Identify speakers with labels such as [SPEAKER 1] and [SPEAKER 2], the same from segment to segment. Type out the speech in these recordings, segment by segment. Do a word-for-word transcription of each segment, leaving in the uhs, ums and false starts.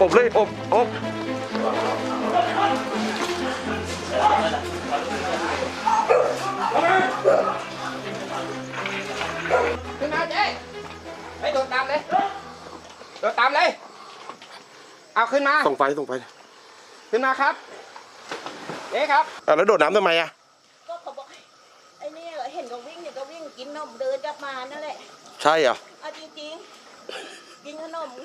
[SPEAKER 1] อบเลยอบอบ
[SPEAKER 2] ขึ้นมาเจ๊ไปโดดตามเลยโดดตามเลยเอาขึ้นมา
[SPEAKER 1] ส่งไฟส่งไฟ
[SPEAKER 2] ขึ้นมาครับเจ๊ครับ
[SPEAKER 1] อ่ะแล้วโดดน้ำทำไมอ่ะ
[SPEAKER 3] ก็เขาบอกไอ้นี่เห็นเขาวิ่งเนี่ยก็วิ่งกินนมเดินกลับมานั่นแหละ
[SPEAKER 1] ใช่เหรอ
[SPEAKER 3] เอาจริงๆกินขนม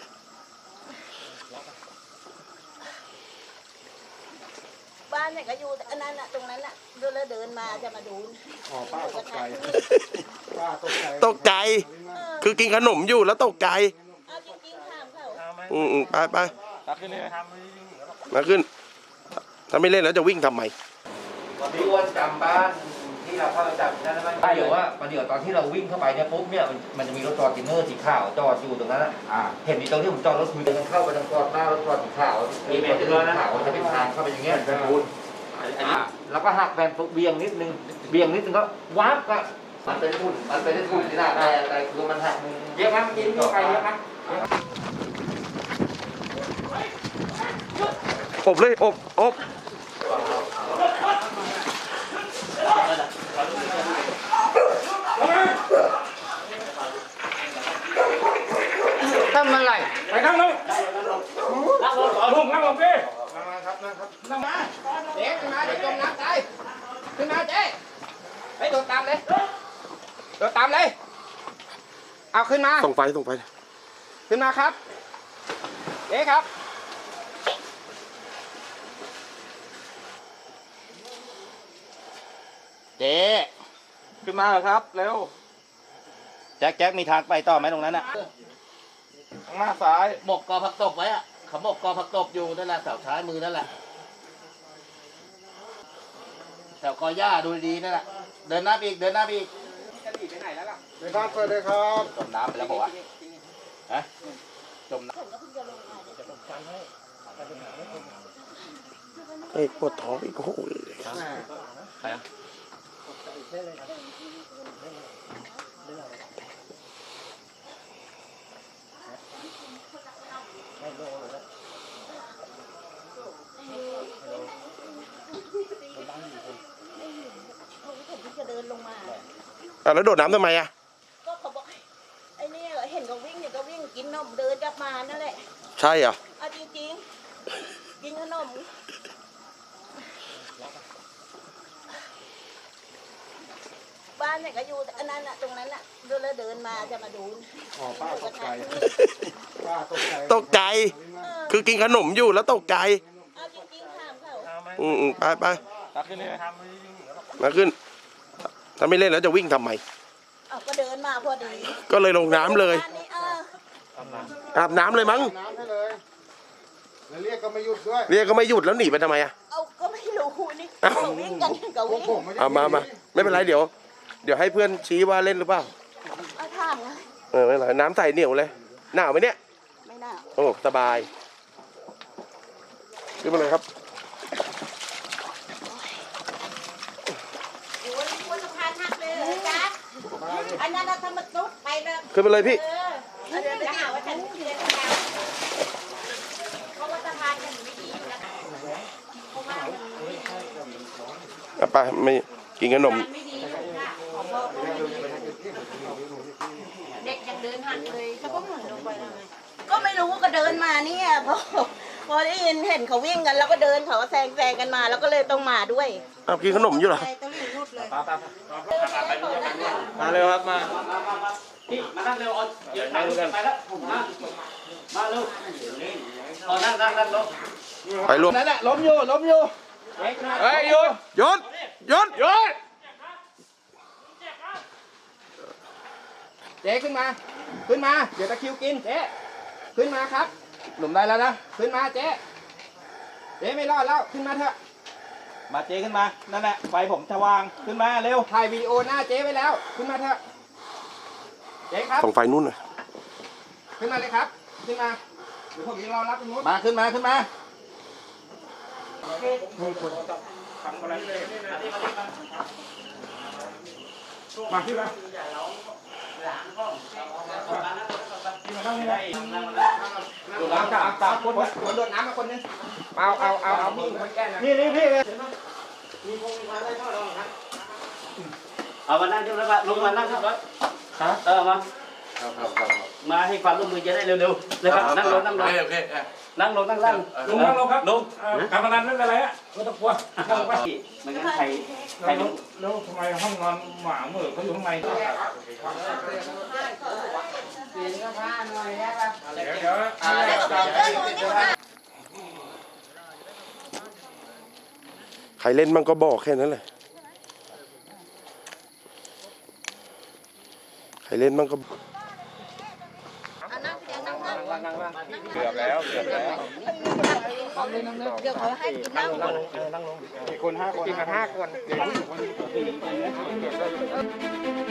[SPEAKER 3] บ้านเนี่ยก็อยู่อันนั้นน่ะตรงนั้นน่ะเดินแล้วเดินมาจะมาดู
[SPEAKER 4] อ๋อป้าตกใจป้าตกใจ
[SPEAKER 1] ตกใจคือกินขนมอยู่แล้วตกใจ
[SPEAKER 3] เอาจริงๆถามเขา
[SPEAKER 1] อืมอืมไปไป
[SPEAKER 4] ตักขึ้นเลย
[SPEAKER 1] มาขึ้นถ้าไม่เล่นแล้วจะวิ่งทำไม
[SPEAKER 2] พี่อ้วนจำบ้านที่เราเข้าไปจับได้ไหมใช่เดี๋ยวว่าประเดี๋ยวตอนที่เราวิ่งเข้าไปเนี่ยปุ๊บเนี่ยมันจะมีรถจอดจินเนอร์สีขาวจอดอยู่ตรงนั้นอ่ะเห็นมีตรงที่ผมจอดรถคุยกันเข้าไปทางจอดหน้ารถจอดสีขาวมีเมตรเลยนะขาวจะเป็นทางเข้าไปอย่างเงี้ยแล้วก็หักแบนปุ๊บเบี่ยงนิดนึงเบี่ยงนิดนึงก็วับก็มันเป็นทุ่นมันเป็นทุ่นที่หน้าแต่แต่คือมันหักเยอะครับกินเข้าไปเยอะครับ
[SPEAKER 1] อบเลยอบอบ
[SPEAKER 2] ทำอะไร
[SPEAKER 4] ไปนั่งลงนั่งลงต่อลุงนั่งลงพี่นั่งมาครับนั่งครับ
[SPEAKER 2] นั่งมาเจ๊ขึ้นมาเดี๋ยวจมน้ำตายขึ้นมาเจ๊ไปโดดตามเลยโดดตามเลยเอาขึ้นมา
[SPEAKER 1] ส่งไฟส่งไฟ
[SPEAKER 2] ขึ้นมาครับเจ๊ครับ
[SPEAKER 5] เจ๊ขึ้นมาเหรอครับเร็วแจ็คแจ็คมีทางไปต่อไหมตรงนั้นอะข้างหน้าซ้ายหมกกอผักตบไว้อะเขาหมกกอผักตบอยู่นั่นแหละแถวท้ายมือนั่นแหละแถวกอหญ้าดูดีนั่นแหละเดินหน้าไปอีกเดินหน้าไปอีก
[SPEAKER 2] จะหนีไปไหนแล้วล่ะ
[SPEAKER 4] ในบ้านเปิดเลยครับ
[SPEAKER 5] จมน้ำไปแล้วบอกว่าฮะจมน้ำ
[SPEAKER 1] ไอ้ปวดท้องอีกโอ้โห
[SPEAKER 5] ใครอ่ะ
[SPEAKER 3] จะเดินลงมา
[SPEAKER 1] อ่ะแล้วโดดน้ำทำไมอ่ะ
[SPEAKER 3] ก็เขาบอกไอ้นี่เห็นเขาวิ่งเนี่ยก็วิ่งกินนมเดินกลับมานั่นแหละ
[SPEAKER 1] ใช่เหรอ
[SPEAKER 3] เอาจริงๆกินขนมบ้านเนี่ยก็อยู่อันนั้นน่ะตรงนั้นน่ะเดินแล้วเดินมาจะมาดู
[SPEAKER 4] อ๋อป้าตกใจป้าตกใจ
[SPEAKER 1] ตกใจคือกินขนมอยู่แล้วตกใจ
[SPEAKER 3] เอาจริงๆถามเขา
[SPEAKER 1] อืมอืมไปไป
[SPEAKER 4] ตักขึ้นเลย
[SPEAKER 1] มาขึ้นถ้าไม่เล่นแล้วจะวิ่งทำไม
[SPEAKER 3] เอาก็เดินมาพอดี
[SPEAKER 1] ก็เลยลงน้ำเลยอาบน้ำเลยมั้ง
[SPEAKER 4] น้ำให้เลยแล้วเรียกก็ไม่หยุดด้วย
[SPEAKER 1] เรียกก็ไม่หยุดแล้วหนีไปทำไมอ่ะ
[SPEAKER 3] เอาก็ไม่รู้นี่เขาวิ่งกันเขาวิ่ง
[SPEAKER 1] เอามามาไม่เป็นไรเดี๋ยวเดี๋ยวให้เพื่อนชี้ว่าเล่นหรือเปล่า
[SPEAKER 3] เอาถามไง
[SPEAKER 1] เออไม่เป็นไรน้ำใสเหนียวเลยหนาวไหมเนี่ย
[SPEAKER 3] ไม่หนาว
[SPEAKER 1] โอ้สบายขึ้นมาเลยครับ
[SPEAKER 3] อันนั้นเราทำมาตุ๊ดไปเลย
[SPEAKER 1] ขึ้นมาเลยพี่
[SPEAKER 3] เดี๋ยวจะหาว่าฉันเรียนแล้วเพราะว่าสะพานมันไม่ดีอยู่แล้วเพราะว่า
[SPEAKER 1] อ่ะไปไม่กินขนม
[SPEAKER 3] เด็กยังเดินหันเลยเขาก็หันลงไปเลยก็ไม่รู้ก็เดินมาเนี่ยพอพอได้ยินเห็นเขาวิ่งกันแล้วก็เดินเขาแซงแซงกันมาแล้วก็เลยต้องมาด้วย
[SPEAKER 1] อ้าวกินขนมอยู่เหรอ
[SPEAKER 4] มาเร็วครับมา
[SPEAKER 5] พี่มานั่งเร็วเดี๋ยวนั่งไปแล้วมามาเร็วรอนั่งนั่งนั่งลง
[SPEAKER 1] ไปรวม
[SPEAKER 2] นั่นแหละล้มอยู่ล้มอยู่
[SPEAKER 1] เฮ้ยหยุดหยุดหยุดหยุด
[SPEAKER 2] เจ๊ขึ้นมาขึ้นมาเดี๋ยวตะคิวกินเจ๊ขึ้นมาครับหลุมได้แล้วนะขึ้นมาเจ๊เจ๊ไม่รอดแล้วขึ้นมาเถอะ
[SPEAKER 5] มาเจ๊ขึ้นมานั่นแหละไฟผมจะวางขึ้นมาเร็ว
[SPEAKER 2] ถ่ายวีดีโอหน้าเจ๊ไว้แล้วขึ้นมาเถอะเจ๊ครับ
[SPEAKER 1] ส่องไฟนู่นน่ะ
[SPEAKER 2] ขึ้นมาเลยครับขึ้นมาเดี๋ยวผมยังรอรับตรงนู้น
[SPEAKER 5] มาขึ้นมาขึ้นมา
[SPEAKER 4] มาขึ้นมาล้างตาตาคนคนโดนน้ำมาคนนึงเอาเอาเอาเอามีคนแก้นะนี่นี่พี่มีคงมีมาได้เท่าไหร่ครับเอามานั่งที่รถลงมานั่งที่รถครับเออมามาให้ความร่วมมือจะได้เร็วๆนะครับนั่งลงนั่งลงโอเคนั่งลงนั่งนั่งลงนั่งลงครับลงการพนันนั่นอะไรอ่ะไม่ต้องกลัวนั่งไปไม่งั้นใครใครแล้วทำไมห้องนอนหมาเหมือเขาอยู่ข้างในเดี๋ยวเดี๋ยว
[SPEAKER 1] ใครเล่นมั่งก็บอกแค่นั้นแหละใครเล่นมั่งก็เกือบแล้วเกือบแล้ว
[SPEAKER 3] เดี๋ยวเขาให้กินน้ำก่อน
[SPEAKER 1] มีคนห้าคนกินกันห้าคน